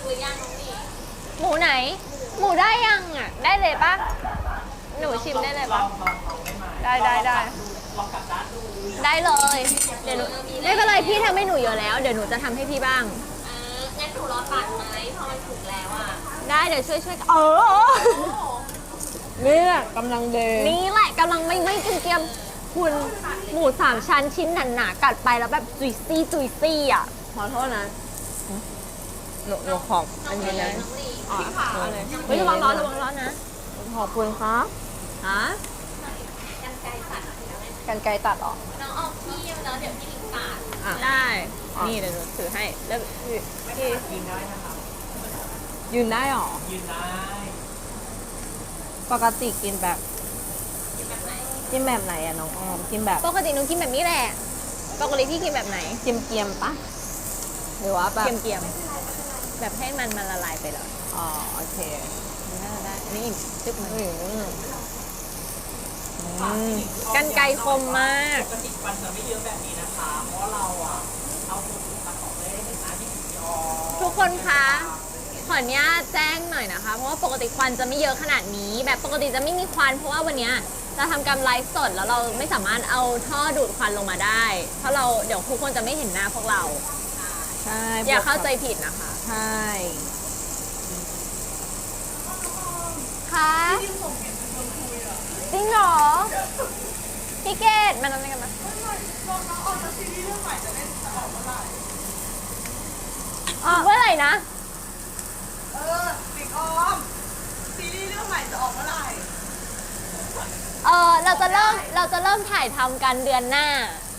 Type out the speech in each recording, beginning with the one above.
หรือยังน้องนี่หมูไหน หมูได้ยังอ่ะ ได้เลยปะหนูชิมได้เลยปะได้ได้เลย เดี๋ยวหนูไม่เป็นไรพี่ทำให้หนูเยอะแล้ว เดี๋ยวหนูจะทำให้พี่บ้างงั้นหนูรอตัดไหมพอมันถูกแล้วอ่ะได้เดี๋ยวช่วยนี่แหละกำลังเดย์นี่แหละกำลังไม่เกรียมคุณหมู3 ชั้นชิ้นหนาๆกัดไปแล้วแบบจุยซี่อ่ะขอโทษนะหนูขอบอันนี้นะเฮ้ยระวังร้อนนะขอบคุณครับฮะกันไกรตัดหรอน้องออกพี่แล้วเดี๋ยวพี่ลิงตัดได้นี่เดี๋ยวหนูถือให้แล้วพี่ยืนได้นะคะยืนได้หรอยืนได้ปกติกินแบบกินแบบไหนอะน้องออมกินแบบปกติหนูกินแบบนี้แหละปกติพี่กินแบบไหนเกียมปะหรือว่าแบบเกียมแบบให้มันละลายไปเลยอ๋อโอเคน่าได้นี่จึ๊บมันกันไกรคมมากปกติฟันจะไม่เยอะแบบนี้นะคะเพราะเราอะเอาตัวตัดออกได้เห็นหน้าที่ผีออทุกคนคะขออนุญาตแจ้งหน่อยนะคะเพราะว่าปกติควันจะไม่เยอะขนาดนี้แบบปกติจะไม่มีควันเพราะว่าวันนี้เราทำการไลฟ์สดแล้วเราไม่สามารถเอาท่อดูดควันลงมาได้เพราะเราเดี๋ยวทุกคนจะไม่เห็นหน้าพวกเราใช่อย่าเข้าใจผิดนะคะใช่ค่ะจริงเหรอพี่เกดมาทำอะไรกันนะเมื่อไหร่นะปิดออมซีรีส์เรื่องใหม่จะออกเมื่อไหร่เราจะเริ่มถ่ายทำกันเดือนหน้า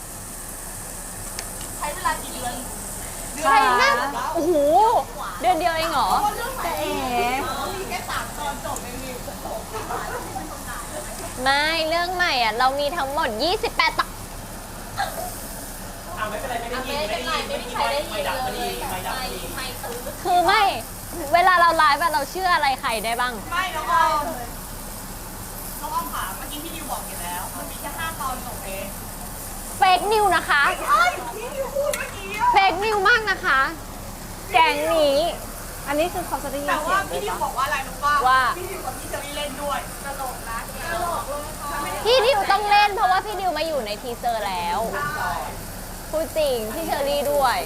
ใช้เวลากี่เดือนใช่น่าโอ้โหเดือนเดียวเองเหรอแต่มีแค่3 ตอนจบเองมีไม่เรื่องใหม่อ่ะเรามีทั้งหมด28 ตอนไม่เป็นไรไม่มีใครได้ยินเลยไม่ตื้อคือไม่เวลาเราไลฟ์เราเชื่ออะไรใครได้บ้างไม่น้องออมค่ะเมื่อกี้พี่ดิวบอกอยู่แล้วมันมีแค่5 ตอนจบเองเฟกนิวนะคะพี่ดิวพูดเมื่อกี้เฟกนิวมากนะคะแกงนี้อันนี้คือเขาจะได้ยินแต่ว่าพี่ดิวบอกว่าอะไรรู้ป่ะว่าพี่ดิวกับพี่เชอรี่เล่นด้วยตลกนะตลกเลยค่ะพี่ดิวต้องเล่นเพราะว่าพี่ดิวมาอยู่ในทีเซอร์แล้วพูดจริงพี่เชอรี่ด้วย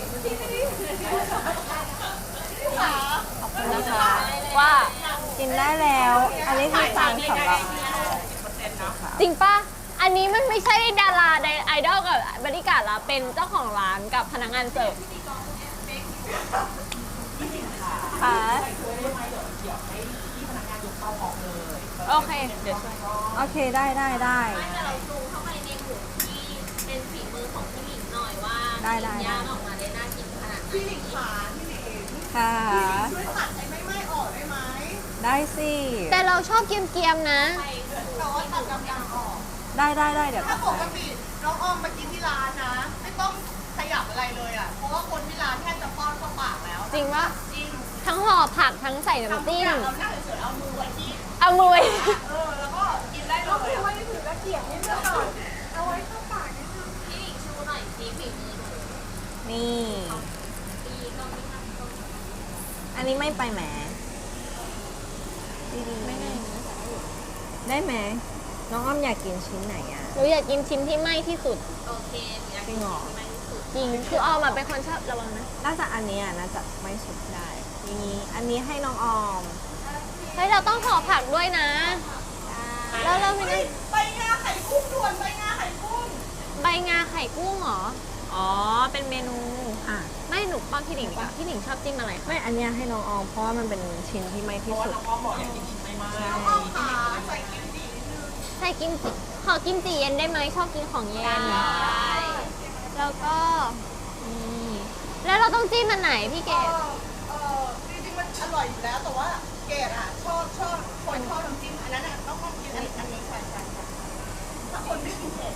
ขอบคุณนะคะว่ากินได้แล้วอันนี้คือตังสำหรับจริงป่ะอันนี้มันไม่ใช่ดาราไอดอลกับบริการละเป็นเจ้าของร้านกับพนักงานเสิร์ฟค่ะโอเคเดี๋ยวช่วยโอเคได้ไม่แต่เราซูมเข้าไปในหมูที่เป็นฝีมือของพี่หลิงหน่อยว่าย่างออกมาได้น่ากินขนาดไหนพี่หลิงขาพี่หลิงค่ะช่วยตัดไอ้ไม่ออกได้ไหมได้สิแต่เราชอบเกียมๆนะแต่ว่าตัดกำลังออกได้เดี๋ยวถ้าปกติน้องออมมากินที่ร้านนะไม่ต้องขยับอะไรเลยอ่ะเพราะว่าคนที่ร้านแค่จะป้อนเข้าปากแล้วจริงปะจริงทั้งห่อผักทั้งใส่น้ำจิ้มเราหน้าเฉยๆเอามือไว้ที่แล้วก็กินได้เลยเอามือไว้ถือตะเกียบนิดนึงก่อนเอาไว้เข้าปากนิดนึงพี่หลิงชูหน่อยสิฝีมือหนูนี่อันนี้ไม่ไปแหมได้ไหมน้องอ้อมอยากกินชิ้นไหนอ่ะหนูอยากกินชิ้นที่ไหม้ที่สุดโอเคจริงเหรอจริงคือออมเป็นคนชอบระวังนะน่าจะอันนี้น่าจะไม่สุดได้นี่อันนี้ให้น้องออมเฮ้ยเราต้องห่อผักด้วยนะแล้วเราไม่ได้ใบงาไข่กุ้งด่วนใบงาไข่กุ้งใบงาไข่กุ้งเหรออ๋อเป็นเมนูไม่หนูป้อนพี่หนิงป่ะพี่หนิงชอบจิ้มอะไรไม่อันนี้ให้น้องออมเพราะว่ามันเป็นชิ้นที่ไม่ที่สุดน้องออมบอกอยากกินชิ้นไม่มากใส่กิมจิใส่กิมจิขอกิมจิเย็นได้ไหมชอบกินของเย็นแล้วก็แล้วเราต้องจิ้มมันไหนพี่เกดจริงๆมันอร่อยอยู่แล้วแต่ว่าเกดอ่ะชอบคนชอบน้ำจิ้มอันนั้นอ่ะต้องกินอันนี้ใช่ถ้าคนไม่กินเผ็ด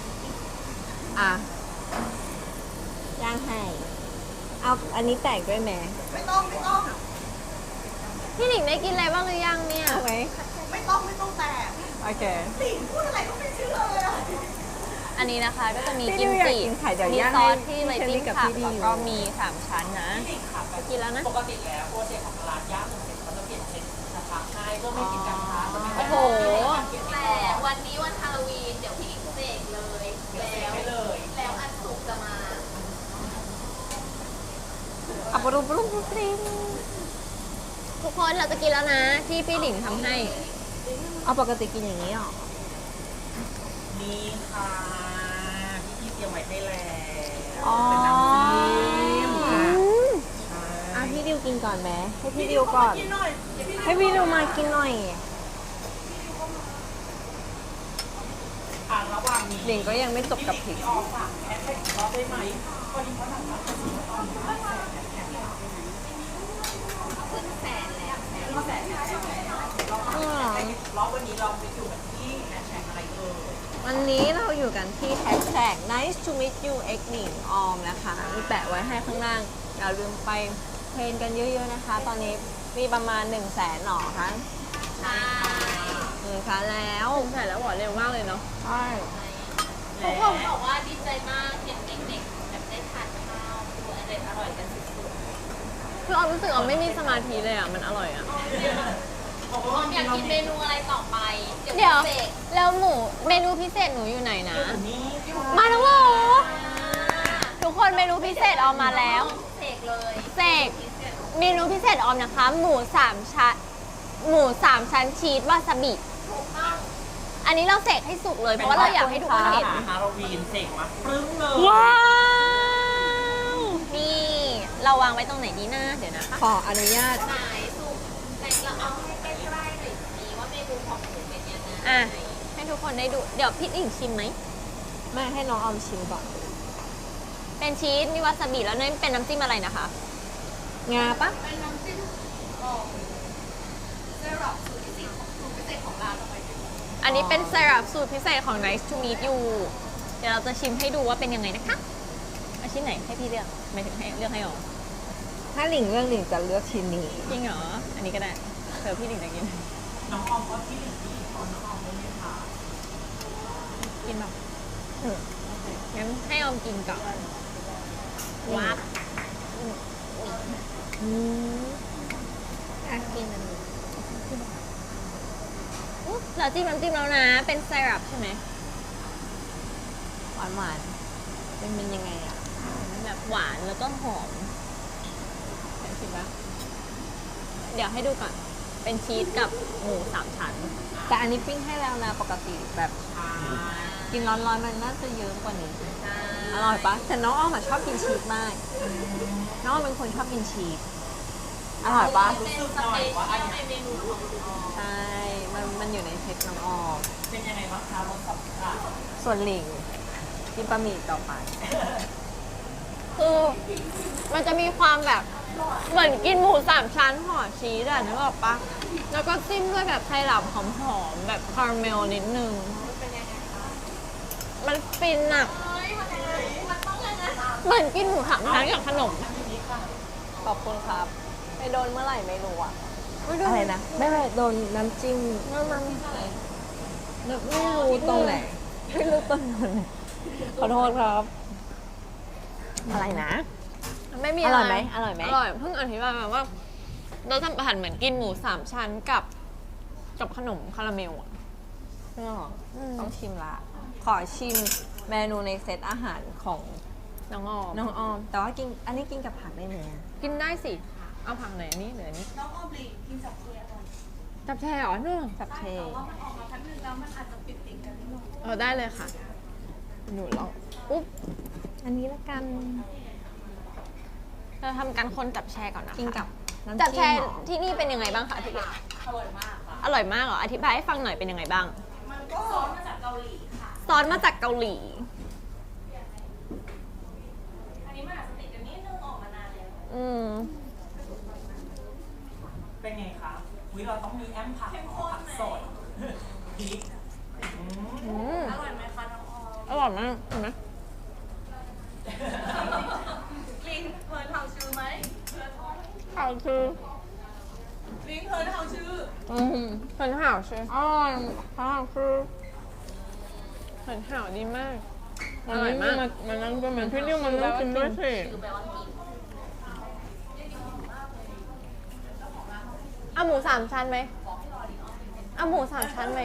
ย่างให้เอาอันนี้แตกด้วยไหมไม่ต้องพี่หนิงได้กินอะไรบ้างหรือยังเนี่ยไหมไม่ต้องแตกโอเคหลิงพูดอะไรก็ไม่เชื่อเลยอ่ะอันนี้นะคะก็จะมีพี่กิมดิวอยากจิกินไข่เดี๋ยวมีย่างซอสให้ที่ไว้พี่เชอรี่จิ้มกับผักพี่ดิวแล้วก็มี3ชั้นนะกินแล้วนะปกติแล้วโปรเจกต์ของร้านย่างหนึ่งเสร็จเขาจะเปลี่ยนเป็นกระทะให้เพื่อไม่กินกระทะจะไม่โอ้โหแต่วันนี้วันฮาโลวีนเดี๋ยวพี่หลิงเสกเลยไม่เลยแล้วอันสุกจะมาอับปรุปรุปรุปริงทุกคนเราจะกินแล้วนะที่พี่หลิงทำให้เอาปกติกินอย่างนี้หรอนี่ค่ะพี่เตรียมไว้ให้แล้วอ๋อเป็นน้ำจิ้มค่ะอ่ะพี่ดิวกินก่อนไหมให้พี่ดิวก่อนกินหน่อยเดี๋ยวพี่ให้พี่ดิวมากินหน่อยอ่ะระหว่างนี้หลิงก็ยังไม่จบกับพริกออกฝากแอดแท็กอีกรอบได้ไหมพอดีเขาทำมาขึ้นแสนแล้วรอบวันนี้เราไปอยู่กันที่แอดแท็กอะไรเอ่ยวันนี้เราอยู่กันที่แฮชแท็ก nice to meet you x หนิงออมนะคะมีแปะไว้ให้ข้างล่างอย่าลืมไปเทรนกันเยอะๆนะคะ ตอนนี้มีประมาณ 100,000หน่อคะใช่ 1,000แล้วใส่แล้วหวานเร็วมากเลยเนาะใช่ทุกคนบอกว่าดีใจมากเห็นเด็กๆแบบได้ทานข้าวดูอร่อยกันสุดคือออมรู้สึกออมไม่มีสมาธิเลยอ่ะมันอร่อยอ่ะๆอยากกินเมนูอะไรต่อไปเดี๋ยวเสกแล้วหมูเมนูพิเศษหนูอยู่ไหนนะนี่มาแล้วเหรอทุกคนเมนูพิเศษออมมาแล้วเสกเลยเสกเมนูพิเศษออมนะคะ หมูสามชั้นชีสวาซาบิถูกต้องอันนี้เราเสกให้สุกเลยเพราะว่าเราอยากให้ทุกคนเห็นฮาโลวีนเสกมาปรึ้งเลยว้าวนี่เราวางไว้ตรงไหนดีนะเดี๋ยวนะคะขออนุญาตไหนสุกแต่เราเอาให้ใกล้ๆหน่อยสิว่าเมนูของหนูเป็นยังไงอ่ะให้ทุกคนได้ดูเดี๋ยวพี่หลิงชิมไหมแม่ให้น้องออมชิมก่อนเป็นชีสมีวาซาบิแล้วนี่เป็นน้ำจิ้มอะไรนะคะงาปะเป็นน้ำจิ้มเซรั่มสูตรพิเศษของร้านเราไปดูอันนี้เป็นไซรัปสูตรพิเศษของ Nice to meet you เดี๋ยวเราจะชิมให้ดูว่าเป็นยังไงนะคะเอาชิ้นไหนให้พี่เลือกไม่ถึงให้เลือกให้ออกถ้าหลิงเรื่องหลิงจะเลือกชิ้นนี้จริงเหรอ อันนี้ก็ได้เผื่อพี่หลิงจะกินน้องออมก็ที่หนึ่งที่ตอนน้องออมได้ไหมคะกินแบบงั้นให้ออมกินก่อนวับอ่ะกินอันนี้อุ๊ยเราจิ้มน้ำจิ้มแล้วนะ เป็นไซรัปใช่ไหมหวานหวานๆเป็นยังไงอ่ะแบบหวานแล้วก็หอมเห็นชิมปะเดี๋ยวให้ดูก่อน เป็นชีสกับหมู3 ชั้นแต่อันนี้ปิ้งให้แล้วนะปกติแบบกินร้อนๆมันน่าจะเยอะกว่านี้ อร่อยปะแต่น้องอ้อมอะชอบกินชีสมาก น้องอ้อมเป็นคนชอบกินชีส อร่อยปะเป็นสเปเชียลในเมนูของหนูใช่ มันอยู่ในเซ็ตน้องอ้อมเป็นยังไงบ้างคะรสสัมผัสส่วนหลิงกินบะหมี่ต่อไปคือมันจะมีความแบบเหมือนกินหมู3 ชั้นห่อชีสอะนึกออกปะแล้วก็จิ้มด้วยแบบไทรัปหอมๆแบบคาราเมลนิดนึง มันฟินอะเฮ้ยมันยังไงมันต้องยังไงเหมือนกินหมู3 ชั้นกับขนมขอบคุณครับ ไปโดนเมื่อไหร่ไม่รู้อะอะไรนะ ไม่โดนน้ำจิ้มไม่รู้ตรงไหน ไม่รู้ตรงไหน ขอโทษครับ อะไรนะไม่มีอร่อยไหมอร่อยไหมอร่อยเพิ่งอธิบายมาว่า เราทำอาหารเหมือนกินหมู3 ชั้นกับขนมคาราเมลอะต้องชิมละ ขอชิมเมนูในเซตอาหารของน้องออมน้องออม แต่ว่ากินอันนี้กินกับผักได้ไหมอะกินได้สิ เอาผักไหนอันนี้หรืออันนี้น้องออมลีกินจับเทียนจับแช่เหรอเนี่ยกับเทแต่ว่ามันออกมาพักนึงแล้วมันอาจจะติดกันนิดหน่อยได้เลยค่ะ หนูลองอุ๊บอันนี้ละกันเราทำการคนจับแช่ก่อนนะคะกินกับน้ำจับจิ้แช่มเหรอที่นี่เป็นยังไงบ้างคะพี่เล็กอร่อยมากค่ะอร่อยมากเหรอ อธิบายให้ฟังหน่อยเป็นยังไงบ้างมันก็ซอสมาจากเกาหลีค่ะซอสมาจากเกาหลีอันนี้มันอาจจะติดกันนิดนึงออกมานานแล้วอืมเป็นไงคะวิเราต้องมีแอมผักผักสดพริกอืมอร่อยไหมคะน้องออมอร่อยมากเห็นไหมลิงเฮิร์นเฮาชื่อไหมข่าวคือลิงเฮิร์นเฮาชื่อ很好吃อร่อยข่าวคือ很好ดีมากอร่อยมากมันนั่งเป็นเหมือนพี่นิ่วมันต้องกินด้วยสิคือแปลว่ากินเอาหมูสามชั้นไหมเอาหมูสามชั้นไหม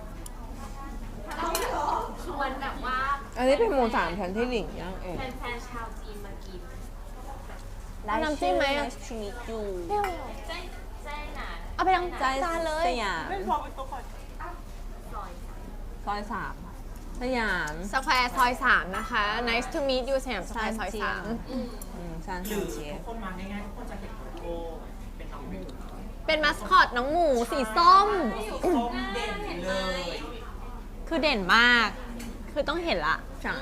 ชวนแบบว่าอันนี้เป็นหมูสามชั้นที่หลิงย่างเองแฟนๆชาวจีนมากินเอาน้ำจิ้มไหมอะชีวิตอยู่แจ้หนาเอาไปทั้งใจจานเลยสยามไม่พอเป็นตัวก่อนซอยซอย3สยามสแควร์ซอย 3 นะคะ nice to meet you สยามสแควร์ซอยซานหรือเจียทุกคนมาง่ายๆทุกคนจะเห็นโลโก้เป็นน้องหมู 3 เป็นมัสคอตน้องหมูสีส้มส้มเด่นเลยคือเด่นมาก คือต้องเห็นละใช่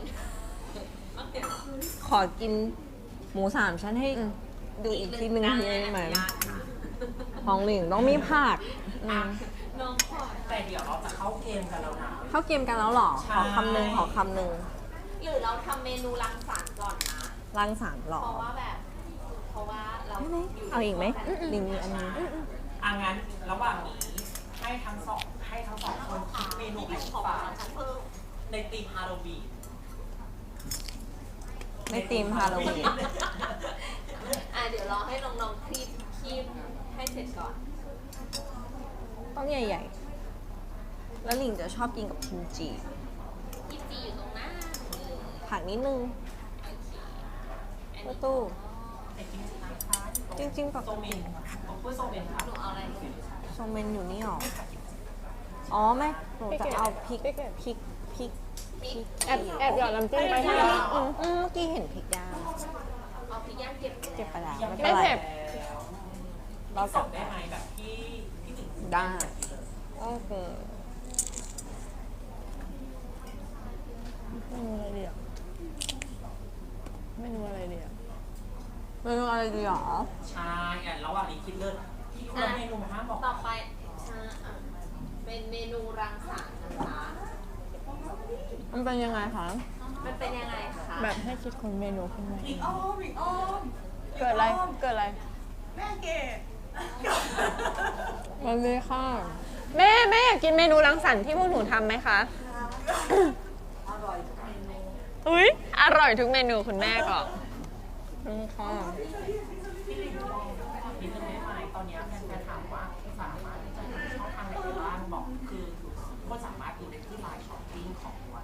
ขอกินหมู3ชั้นให้ดูอีกทีหนึ่งทีได้ไหมของหลิงต้องมีผักน้องขอแต่เดี๋ยวเราจะเข้าเกมกันแล้วนะเข้าเกมกันแล้วเหรอใช่ขอคำหนึ่งขอคำหนึ่งหรือเราทำเมนูรังสรรค์ก่อนนะรังสรรค์เหรอเพราะว่าแบบเพราะว่าเรายู่เอาอีกไหมหลิงมีอันนี้งั้นระหว่างนี้ให้ทั้งสองคนคิดเมนูให้ฝากในธีมฮาโลวีนไม่ตีมฮาโลวีนเดี๋ยวรอให้น้องๆคลิปให้เสร็จก่อนต้องใหญ่ๆ แล้วหลิงจะชอบกินกับกิมจิยี่จีอยู่ตรงหน้าผักนิดนึงประตูไอ้จริงๆนะคะจริงๆแบบโซเมนของเพื่อโซเมนค่ะหนูเอาอะไรโซเมนอยู่นี่หรอ อ๋อไม่หนูจะเอาพริกแอบหยอดน้ำจิ้มไปให้เมื่อกี้เห็นพริกย่างเอาพริกย่างเก็บเก็บไปแล้วยังไม่ไม่เป็นไรเผ็ดเราส่จะงได้ไหมแบบที่ถึงได้โอเคเมนูอะไรดีอ่ะเมนูอะไรดีหรอใช่ระหว่างนี้คิดเลิศที่คนละเมนูห้ามบอกต่อไปเป็นเมนูรังสรรค์นะคะมันเป็นยังไงคะมันเป็นยังไงคะแบบให้คิดคนเมนูขึ้นมาอีกอ้อมอีกอ้อมเกิดอะไรแม่เกดมันเลยค่ะแม่อยากกินเมนูรังสรรค์ที่พวกหนูทำไหมคะ อุ้ยอร่อยทุกเมนูคุณแม่ก็ค่ะนิดนึงได้ไหมตอนนี้แฟนๆถามว่าสามารถที่จะดูช่องทางไหนได้บ้างบอกคือก็สามารถดูได้ที่ไลน์ช้อปปิ้งของวัน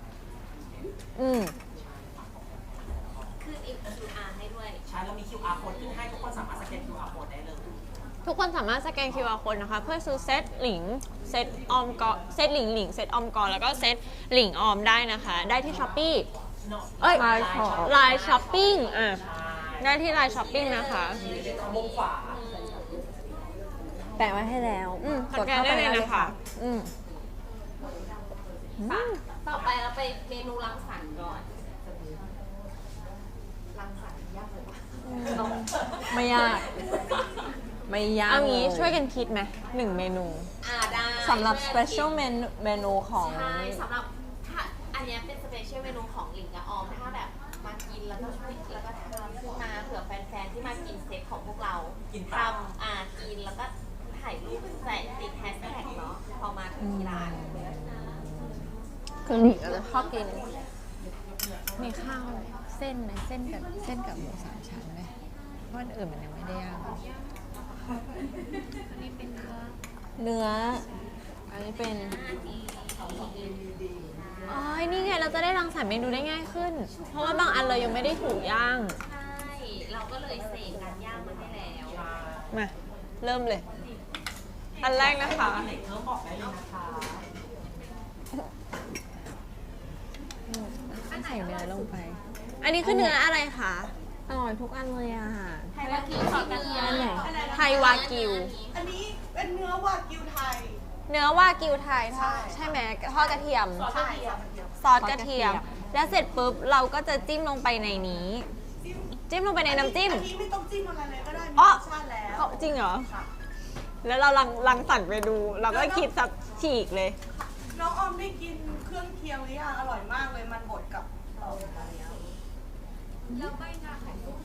ขึ้น QR ให้ด้วยใช่แล้วมี QR code ขึ้นให้ทุกคนสามารถสแกน QR code ได้เลยทุกคนสามารถสแกน QR code นะคะ เพื่อซื้อเซตหลิง เซตออมกอเซตหลิง เซตออมกอแล้วก็เซตหลิงออมได้นะคะ ได้ที่ช้อปปี้เอ้ยไลน์ช้อปปิ้งได้ที่ไลน์ช้อปปิ้งนะคะมุมขวาแปะไว้ให้แล้วสแกนได้เลยนะคะต่อไปเราไปเมนูรังสรรค์ก่อน รังสรรค์ยากเลยวะไม่ยาก ไม่ยากเอางี้เลยช่วยกันคิดไหม1 เมนูได้สำหรับ special menu ของใช่สำหรับถ้าอันเนี้ยเป็น special เมนูของหลิงกับออมถ้าแบบมากินแล้วก็ช่วยแล้วก็ทำขึ้นมาเผื่อแฟนๆที่มากินเซตของพวกเราทำกินแล้วก็ถ่ายรูปใส่ติดแฮชแท็กเนาะพอมาถึงที่ร้านคือหลิงจะชอบกินมีข้าวเส้นไหมเส้นกับหมู3 ชั้นไหมเพราะอันอื่นมันยังไม่ได้ย่างเนื้อ อันนี้เป็นอ๋อ นี่ไงเราจะได้รังสรรค์เมนูได้ง่ายขึ้น เพราะว่าบางอันเรายังไม่ได้ถูกย่างใช่ เราก็เลยเสกการย่างมันได้แล้วมาเริ่มเลย อันแรกนะคะอันไหนเพิ่มบอกได้เลยนะคะใส่เนื้อลงไป อันนี้คือเนื้ออะไรคะอร่อยทุกอันเลยอ่ะไทยวากิวกับเนื้ออันไหนไทยวากิวอันนี้เป็นเนื้อวากิวไทยเนื้อวากิวไทยทอดใช่ไหมทอดกระเทียมใช่ซอสกระเทียม แล้วเสร็จปุ๊บเราก็จะจิ้มลงไปในนี้ จิ้มลงไปในน้ำจิ้มอันนี้ไม่ต้องจิ้มอะไรเลยก็ได้ มีอ๋อรสชาติแล้วเขาจริงเหรอค่ะแล้วเรารังสรรค์ไปดู เราก็คิดสับฉีกเลยน้องออมได้กินเครื่องเคียงหรือยังอร่อยมากเลยมันบดกับเราแล้วใบหน้าไข่มุก